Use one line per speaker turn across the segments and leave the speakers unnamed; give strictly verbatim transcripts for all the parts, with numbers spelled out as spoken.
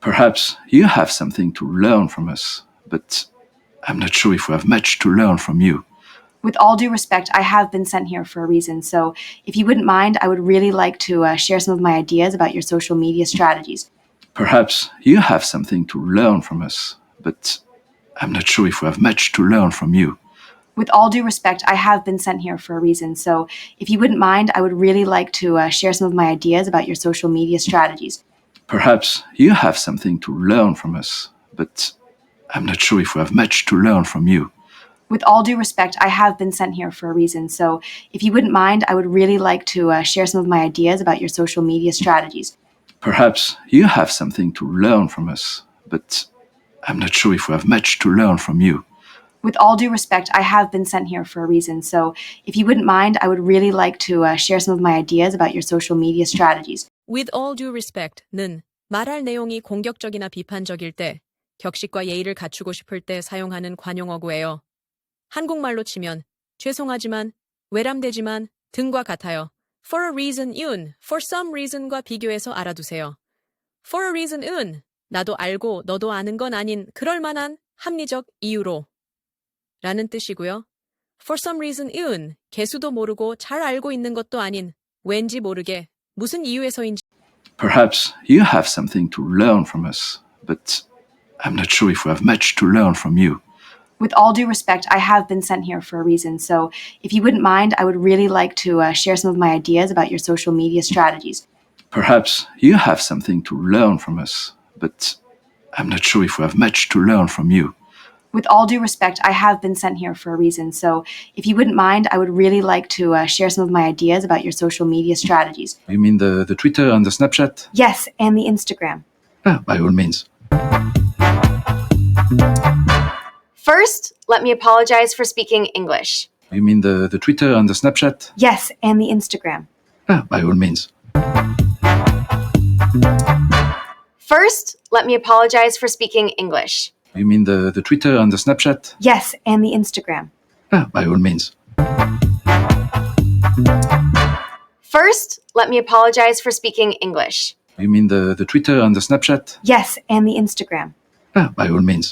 Perhaps you have something to learn from us, but I'm not sure if we have much to learn from you.
With all due respect, I have been sent here for a reason, so if you wouldn't mind, I would really like to uh, share some of my ideas about your social media strategies.
Perhaps you have something to learn from us, but I'm not sure if we have much to learn from you.
With all due respect, I have been sent here for a reason, so if you wouldn't mind, I would really like to uh, share some of my ideas about your social media strategies.
Perhaps you have something to learn from us, but I'm not sure if we have much to learn from you.
With all due respect, I have been sent here for a reason, so if you wouldn't mind, I would really like to uh, share some of my ideas about your social media strategies.
Perhaps you have something to learn from us, but I'm not sure if we have much to learn from you.
With all due respect, I have been sent here for a reason, so if you wouldn't mind, I would really like to uh, share some of my ideas about your social media strategies.
With all due respect는 말할 내용이 공격적이나 비판적일 때, 격식과 예의를 갖추고 싶을 때 사용하는 관용어구예요. 한국말로 치면 죄송하지만, 외람되지만 등과 같아요. For a reason은 for some reason과 비교해서 알아두세요. For a reason은 나도 알고 너도 아는 건 아닌 그럴 만한 합리적 이유로 라는 뜻이고요. For some reason은 개수도 모르고 잘 알고 있는 것도 아닌 왠지 모르게 무슨 이유에서인지.
Perhaps you have something to learn from us, but I'm not sure if we have much to learn from you.
With all due respect, I have been sent here for a reason, so if you wouldn't mind, I would really like to uh, share some of my ideas about your social media strategies.
Perhaps you have something to learn from us, but I'm not sure if we have much to learn from you.
With all due respect, I have been sent here for a reason, so if you wouldn't mind, I would really like to uh, share some of my ideas about your social media strategies.
You mean the, the Twitter and the Snapchat?
Yes, and the Instagram.
Ah, by all means.
First, let me apologize for speaking English.
You mean the, the Twitter and the Snapchat?
Yes, and the Instagram.
Ah, by all means.
First, let me apologize for speaking English.
You mean the, the Twitter and the Snapchat?
Yes, and the Instagram.
Ah, by all means.
First, let me apologize for speaking English.
You mean the, the Twitter and the Snapchat?
Yes, and the Instagram.
Ah, by all means.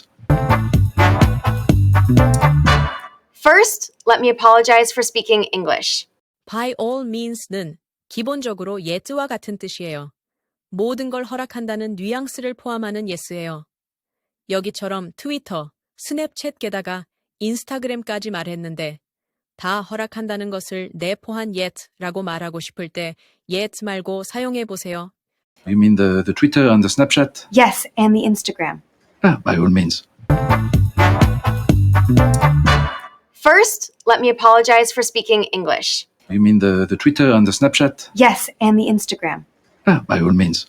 First, let me apologize for speaking English.
By all means는 기본적으로 yes와 같은 뜻이에요. 모든 걸 허락한다는 뉘앙스를 포함하는 yes예요. 여기처럼 트위터, 스냅챗 게다가 인스타그램까지 말했는데 다 허락한다는 것을 내포한 yet라고 말하고 싶을 때 yet 말고 사용해 보세요.
You mean the, the Twitter and the Snapchat?
Yes, and the Instagram.
Ah, by all means.
First, let me apologize for speaking English.
You mean the, the Twitter and the Snapchat?
Yes, and the Instagram.
Ah, by all means.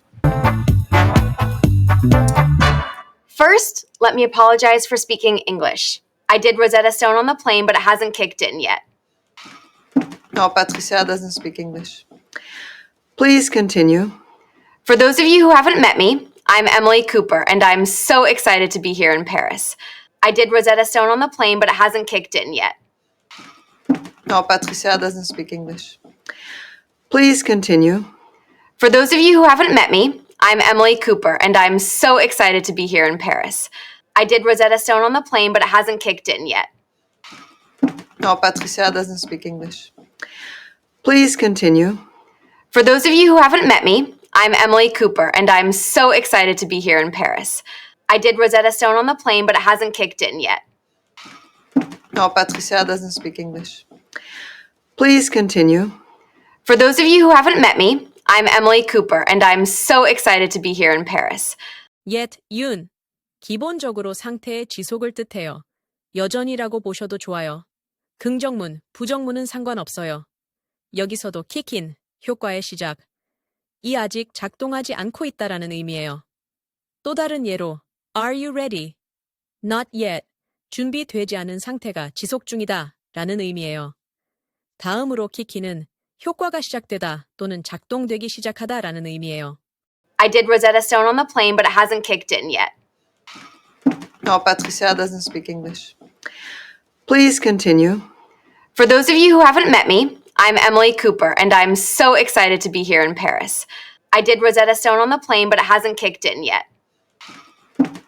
First, let me apologize for speaking English. I did Rosetta Stone on the plane, but it hasn't kicked in yet.
No, Patricia doesn't speak English. Please continue.
For those of you who haven't met me, I'm Emily Cooper, and I'm so excited to be here in Paris. I did Rosetta Stone on the plane, but it hasn't kicked in yet.
No, Patricia doesn't speak English. Please continue.
For those of you who haven't met me, I'm Emily Cooper, and I'm so excited to be here in Paris. I did Rosetta Stone on the plane, but it hasn't kicked in yet.
No, Patricia doesn't speak English. Please continue.
For those of you who haven't met me, I'm Emily Cooper, and I'm so excited to be here in Paris. I did Rosetta Stone on the plane, but it hasn't kicked in yet.
No, Patricia doesn't speak English. Please continue.
For those of you who haven't met me, I'm Emily Cooper, and I'm so excited to be here in Paris.
yet, 윤. 기본적으로 상태의 지속을 뜻해요. 여전히라고 보셔도 좋아요. 긍정문, 부정문은 상관없어요. 여기서도 kick in, 효과의 시작. 이 아직 작동하지 않고 있다라는 의미예요. 또 다른 예로 Are you ready? Not yet. 준비되지 않은 상태가 지속 중이다 라는 의미예요. 다음으로 키키는 효과가 시작되다 또는 작동되기 시작하다 라는 의미예요.
I did Rosetta Stone on the plane, but it hasn't kicked in yet.
No, Patricia doesn't speak English. Please continue.
For those of you who haven't met me, I'm Emily Cooper, and I'm so excited to be here in Paris. I did Rosetta Stone on the plane, but it hasn't kicked in yet.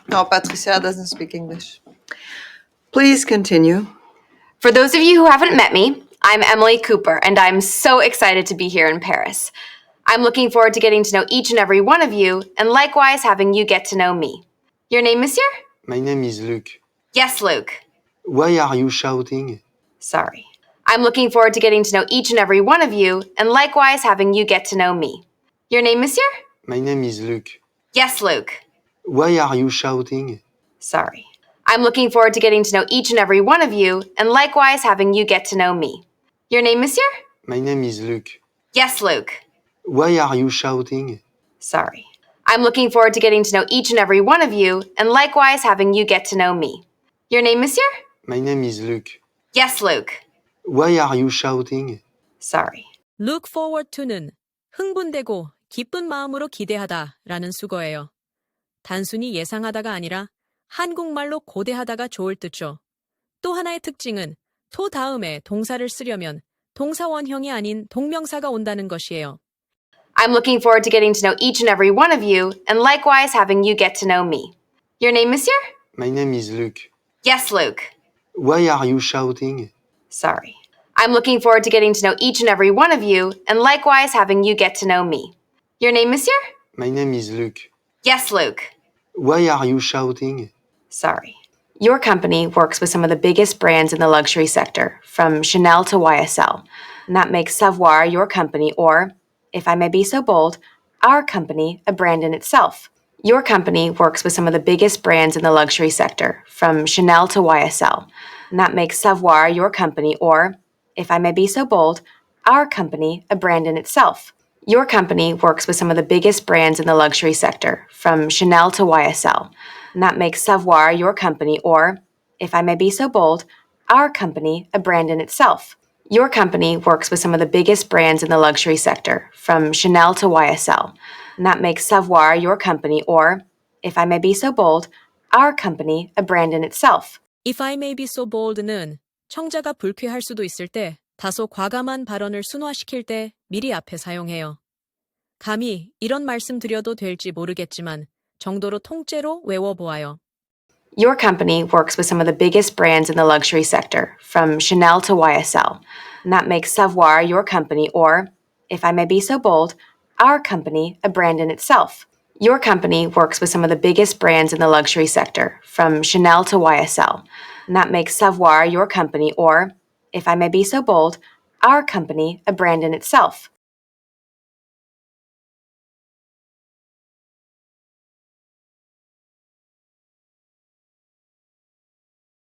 No, Patricia doesn't speak English. Please continue.
For those of you who haven't met me, I'm Emily Cooper, and I'm so excited to be here in Paris. I'm looking forward to getting to know each and every one of you, and likewise having you get to know me. Your name, monsieur?
My name is Luc.
Yes, Luke.
Why are you shouting?
Sorry. I'm looking forward to getting to know each and every one of you, and likewise having you get to know me. Your name, monsieur?
My name is Luc.
Yes, Luke.
Why are you shouting?
Sorry. I'm looking forward to getting to know each and every one of you, and likewise having you get to know me. Your name, monsieur?
My name is Luc.
Yes, Luke.
Why are you shouting?
Sorry. I'm looking forward to getting to know each and every one of you, and likewise having you get to know me. Your name, monsieur?
My name is Luc.
Yes, Luke.
Why are you shouting?
Sorry.
Look forward to는 흥분되고 기쁜 마음으로 기대하다 라는 수거예요. 단순히 예상하다가 아니라 한국말로 고대하다가 좋을 뜻죠. 또 하나의 특징은 to 다음에 동사를 쓰려면 동사 원형이 아닌 동명사가 온다는 것이에요.
I'm looking forward to getting to know each and every one of you, and likewise having you get to know me. Your name, monsieur?
My name is Luc.
Yes, Luke.
Why are you shouting?
Sorry. I'm looking forward to getting to know each and every one of you, and likewise having you get to know me. Your name, monsieur?
My name is Luc.
Yes, Luke.
Why are you shouting?
Sorry. Your company works with some of the biggest brands in the luxury sector, from Chanel to Y S L. And that makes Savoir your company, or, if I may be so bold, our company a brand in itself. Your company works with some of the biggest brands in the luxury sector, from Chanel to Y S L. And that makes Savoir your company, or, if I may be so bold, our company a brand in itself. Your company works with some of the biggest brands in the luxury sector, from Chanel to Y S L. And that makes Savoir your company, or, if I may be so bold, our company a brand in itself. Your company works with some of the biggest brands in the luxury sector, from Chanel to Y S L. And that makes Savoir your company, or, if I may be so bold, our company a brand in itself.
If I may be so bold는 청자가 불쾌할 수도 있을 때 다소 과감한 발언을 순화시킬 때 미리 앞에 사용해요. 감히 이런 말씀 드려도 될지 모르겠지만 정도로 통째로 외워보아요.
Your company works with some of the biggest brands in the luxury sector, from Chanel to Y S L. And that makes Savoir your company, or, if I may be so bold, our company a brand in itself. Your company works with some of the biggest brands in the luxury sector, from Chanel to Y S L. And that makes Savoir your company, or, if I may be so bold, our company a brand in itself.